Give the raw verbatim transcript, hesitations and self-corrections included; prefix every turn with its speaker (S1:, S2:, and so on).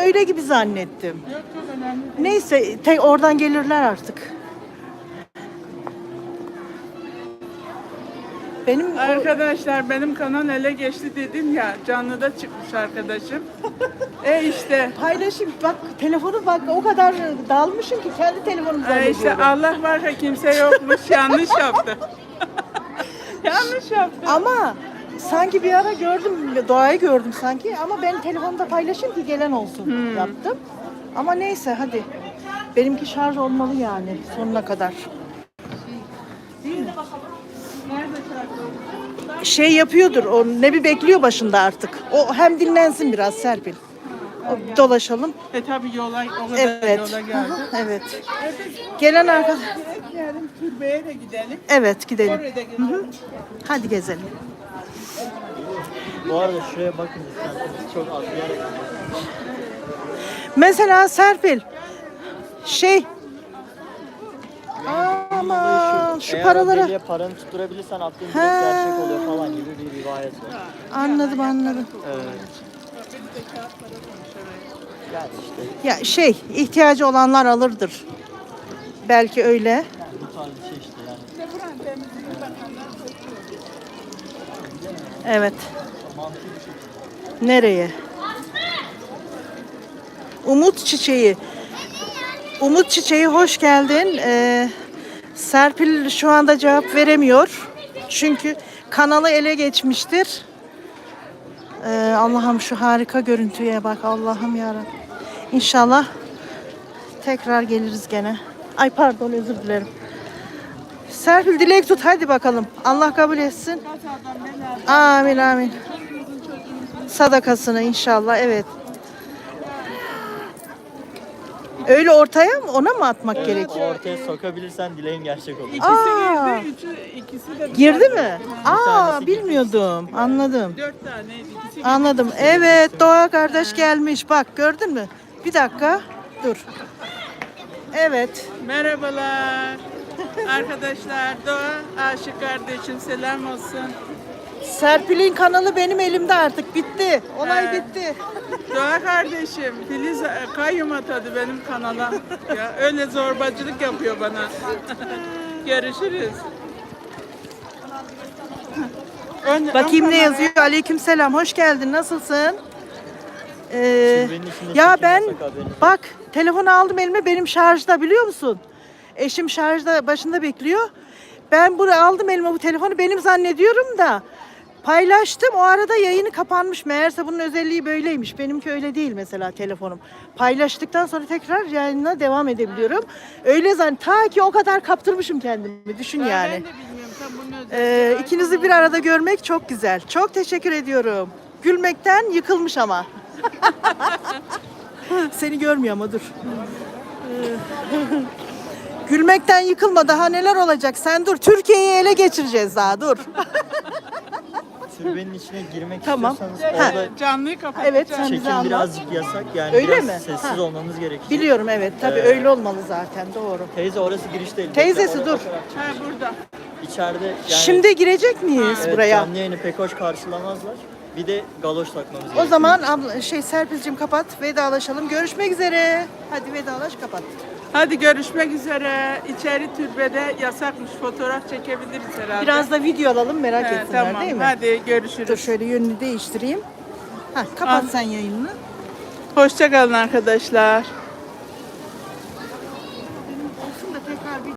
S1: öyle gibi zannettim.
S2: Yok çok önemli.
S1: Neyse te oradan gelirler artık. Benim o-
S2: Arkadaşlar benim kanal ele geçti dedim ya, canlıda çıkmış arkadaşım. E işte.
S1: paylaşayım. Bak telefonu bak o kadar dalmışım ki kendi telefonumu
S2: E işte
S1: zannediyorum.
S2: Allah var ya kimse yokmuş, yanlış yaptı. Yanlış yaptı.
S1: Ama sanki bir ara gördüm, doğayı gördüm sanki ama ben telefonda paylaşayım ki gelen olsun
S2: Hmm.
S1: yaptım. Ama neyse hadi. Benimki şarj olmalı yani sonuna kadar.
S2: Nerede şarkı?
S1: Şey yapıyordur, o ne bir bekliyor başında artık. O hem dinlensin biraz Serpil. O, dolaşalım.
S2: E tabi yola, o kadar
S1: Evet.
S2: yola
S1: Hı
S2: geldi.
S1: hı, evet. Gelen arkadaş.
S2: Direkt yarın türbeye de gidelim.
S1: Evet gidelim.
S2: Oraya da gidelim.
S1: Hadi gezelim.
S3: Bu arada şuraya bakın isterseniz çok az bir yer.
S1: Mesela Serpil şey Aman şu
S3: Eğer
S1: paralara
S3: o deliğe paranı tutturabilirsen attığın direkt
S1: Ha.
S3: gerçek oluyor falan gibi bir rivayet var.
S1: anladım anladım.
S3: Evet. Yani işte
S1: Ya şey ihtiyacı olanlar alırdır. Belki öyle.
S3: yani bu tarz bir şey işte yani.
S1: Evet.
S3: Mantıklı bir şey.
S1: Nereye? Umut Çiçeği. Umut Çiçeği hoş geldin. Ee, Serpil şu anda cevap veremiyor. Çünkü kanalı ele geçmiştir. Ee, Allah'ım şu harika görüntüye bak. Allah'ım yarabbim. İnşallah tekrar geliriz gene. Ay pardon özür dilerim. Serpil dilek tut hadi bakalım. Allah kabul etsin. Amin amin. Sadakasını inşallah evet. Öyle ortaya mı ona mı atmak
S3: Evet,
S1: gerekiyor?
S3: o ortaya sokabilirsen dileğin gerçek olur.
S2: İkisi
S1: Aa.
S2: girdi, üçü, ikisi de
S1: Girdi mi? Aa
S3: tanesi
S1: bilmiyordum. Anladım.
S2: dört taneydi. İkisi girdi.
S1: Anladım. Evet Doğa kardeş gelmiş. Bak gördün mü? Bir dakika. Dur. Evet.
S2: Merhabalar. Arkadaşlar, Doğa Aşık kardeşim selam olsun.
S1: Serpil'in kanalı benim elimde artık. Bitti. Olay
S2: He.
S1: bitti.
S2: Doğa kardeşim, Filiz e, kayyum atadı benim kanala. Ya öyle zorbacılık yapıyor bana. Görüşürüz. Ön-
S1: Bakayım
S2: ön
S1: ne
S2: kamera-
S1: yazıyor. Aleykümselam. Hoş geldin. Nasılsın? Ee,
S3: Türbenin içinde
S1: ya
S3: çekim
S1: ben
S3: yasak, haberiniz
S1: bak telefonu aldım elime benim şarjda biliyor musun? Eşim şarjda başında bekliyor. Ben bunu aldım elime bu telefonu benim zannediyorum da paylaştım. O arada yayını kapanmış. Meğerse bunun özelliği böyleymiş. Benimki öyle değil mesela telefonum. Paylaştıktan sonra tekrar yayına devam edebiliyorum. Öyle zan ta ki o kadar kaptırmışım kendimi. Düşün
S2: Ben
S1: yani.
S2: de bilmiyorum tam bunun
S1: Ee,
S2: özelliği.
S1: ikinizi bir arada görmek çok güzel. Çok teşekkür ediyorum. Gülmekten yıkılmış ama. Seni görmüyor ama dur. Ee, Gülmekten yıkılma daha neler olacak sen dur. Türkiye'yi ele geçireceğiz daha dur.
S3: Türbenin içine girmek
S1: Tamam.
S3: istiyorsanız
S1: Ha.
S3: orada
S2: Ee, Canlıyı kapatacağız.
S1: Evet, sen bize
S3: çekim
S1: anlat.
S3: birazcık yasak yani
S1: Öyle
S3: biraz
S1: mi?
S3: sessiz
S1: Ha.
S3: olmamız gerekiyor.
S1: Biliyorum evet tabii
S3: Ee,
S1: öyle olmalı zaten doğru.
S3: Teyze orası giriş değil.
S1: Teyzesi,
S3: Oraya
S1: dur.
S3: bakarak çık.
S2: Ha burada.
S3: İçeride yani
S1: Şimdi girecek miyiz
S3: evet,
S1: buraya?
S3: canlı yayını pek hoş karşılamazlar. Bir de galoş takmamız
S1: O
S3: gerekiyor.
S1: zaman abla, şey Serpil'cim kapat vedalaşalım. Görüşmek üzere. Hadi vedalaş kapat.
S2: Hadi görüşmek üzere. İçeri türbede yasakmış. Fotoğraf çekebiliriz herhalde.
S1: Biraz da video alalım merak
S2: He,
S1: etsinler
S2: tamam.
S1: değil mi?
S2: Hadi görüşürüz.
S1: Dur şöyle yönünü değiştireyim. Ha, kapat
S2: Al.
S1: sen yayınını.
S2: Hoşça kalın arkadaşlar.
S1: Olsun da tekrar bir